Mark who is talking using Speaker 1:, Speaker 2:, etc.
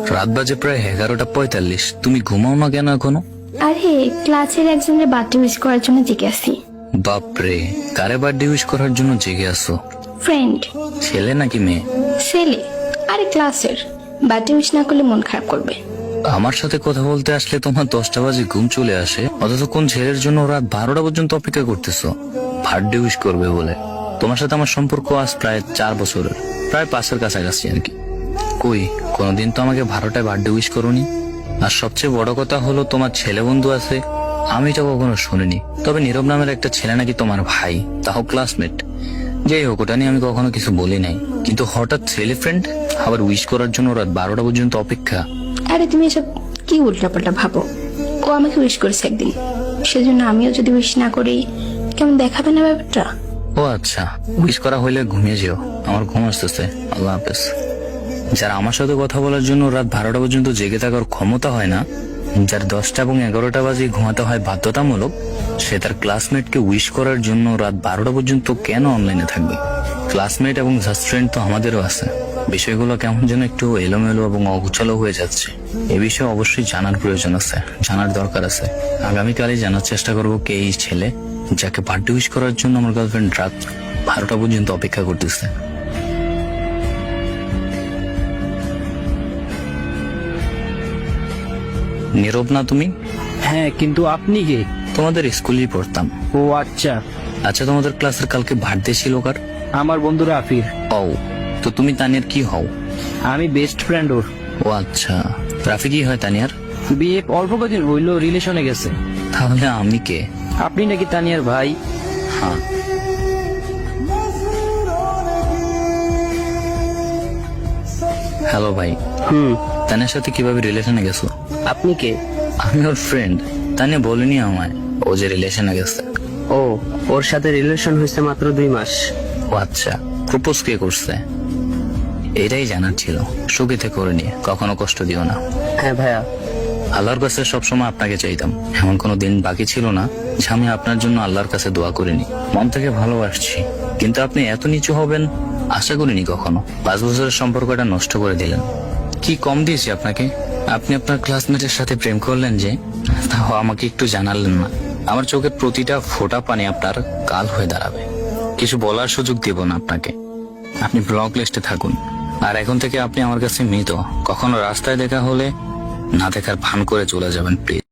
Speaker 1: রাত বাজে প্রায় 11:45। তুমি ঘুমাও না কেন এখনো?
Speaker 2: আরে ক্লাসের একজনের বার্থডে উইশ করার জন্য জেগে আছি।
Speaker 1: বাপরে, কারে বার্থডে উইশ করার জন্য জেগে আসো?
Speaker 2: ফ্রেন্ড।
Speaker 1: ছেলে নাকি মেয়ে?
Speaker 2: ছেলে। আরে ক্লাসের বার্থডে উইশ না করলে মন খারাপ করবে।
Speaker 1: আমার সাথে কথা বলতে আসলে তোমার 10টা বাজে ঘুম চলে আসে, অথচ কোন ছেলের জন্য রাত 12টা পর্যন্ত অপেক্ষা করতেছো বার্থডে উইশ করবে বলে? তোমার সাথে আমার সম্পর্ক আজ প্রায় 4 বছরের, প্রায় 5-এর কাছাকাছি আর কি। কই কোনোদিন তো আমাকে 12টায় বার্থডে উইশ করোনি। আর সবচেয়ে বড় কথা হলো তোমার ছেলে বন্ধু আছে, আমি তো কখনো শুনিনি। তবে নীরব নামের একটা ছেলে নাকি তোমার ভাই, তাও ক্লাসমেট। যাই হোক, ওটা নিয়ে আমি কখনো কিছু বলি নাই, কিন্তু হঠাৎ ছেলে ফ্রেন্ড আবার উইশ করার জন্য রাত 12টা পর্যন্ত অপেক্ষা।
Speaker 2: আরে তুমি এসব কি উল্টাপাল্টা ভাবো? ও আমাকে উইশ করেছে একদিন, সেজন্য আমিও যদি উইশ না করি কেমন দেখাবে না ব্যাপারটা?
Speaker 1: ও আচ্ছা, উইশ করা হইলে ঘুমিয়ে যেও, আমার ঘুম আসতেছে। আল্লাহ হাফেজ। যারা আমার সাথে কথা বলার জন্য রাত 12টা পর্যন্ত জেগে থাকার ক্ষমতা হয় না, যার 10টা এবং 11টা বাজে ঘুমাতে হয় বাধ্যতামূলক, সে তার ক্লাসমেটকে উইশ করার জন্য রাত 12টা পর্যন্ত কেন অনলাইনে থাকবে? ক্লাসমেট এবং জাস্ট ফ্রেন্ড তো আমাদেরও আছে। বিষয়গুলো কেমন যেন একটু এলোমেলো এবং অগুছালো হয়ে যাচ্ছে। এ বিষয়ে অবশ্যই জানার প্রয়োজন আছে, জানার দরকার আছে। আগামীকালই জানার চেষ্টা করবো কে এই ছেলে যাকে বার্থডে উইশ করার জন্য আমার গার্লফ্রেন্ড রাত 12টা পর্যন্ত অপেক্ষা করতেছে। নীরব না তুমি?
Speaker 3: হ্যাঁ, কিন্তু আপনি কে?
Speaker 1: তোমাদের স্কুলেই পড়তাম।
Speaker 3: ও আচ্ছা।
Speaker 1: আচ্ছা, তোমাদের ক্লাসের কালকে বার্থডে ছিল কার?
Speaker 3: আমার বন্ধু রাফির।
Speaker 1: ও, তো তুমি তানিয়ার কি হও?
Speaker 3: আমি বেস্ট ফ্রেন্ড ওর।
Speaker 1: ও আচ্ছা, রাফি কি হয় তানিয়ার?
Speaker 3: বিয়ে অল্প কদিন হইলো, রিলেশনে গেছে।
Speaker 1: তাহলে আমি কে?
Speaker 3: আপনি নাকি তানিয়ার ভাই?
Speaker 1: হ্যাঁ। হ্যালো ভাই। তানিয়ার সাথে কিভাবে রিলেশনে গেছো?
Speaker 3: আপনি কে?
Speaker 1: আমি ওর ফ্রেন্ড। তানিয়া বলেনি আমায় ও যে রিলেশনে গেছে।
Speaker 3: ও, ওর সাথে রিলেশন হয়েছে মাত্র 2 মাস।
Speaker 1: ও আচ্ছা, প্রপোজ কে করছে? এটাই জানার ছিল। সুখীতে করে নিয়ে কখনো কষ্ট দিও না।
Speaker 3: হ্যাঁ ভাইয়া।
Speaker 1: আল্লাহর কাছে সবসময় আপনাকে চাইতাম, এমন কোনো দিন বাকি ছিল না যে আমি আপনার জন্য আল্লাহর কাছে দোয়া করিনি। মন থেকে ভালোবাসছি, কিন্তু আপনি এত নিচু হবেন আশা করিনি কখনো। 5 বছরের সম্পর্কটা নষ্ট করে দিলেন। কি কম দিয়েছি আপনাকে? আপনি আপনার ক্লাসমেটের সাথে প্রেম করলেন যে, তাও আমাকে একটু জানালেন না। আমার চোখের প্রতিটা ফোঁটা পানি আপনার কাল হয়ে দাঁড়াবে। কিছু বলার সুযোগ দেব না আপনাকে। আপনি ব্লক লিস্টে থাকুন। আর এখন থেকে আপনি আমার কাছে মৃত। কখনো রাস্তায় দেখা হলে না দেখার ভান করে চলে যাবেন প্লিজ।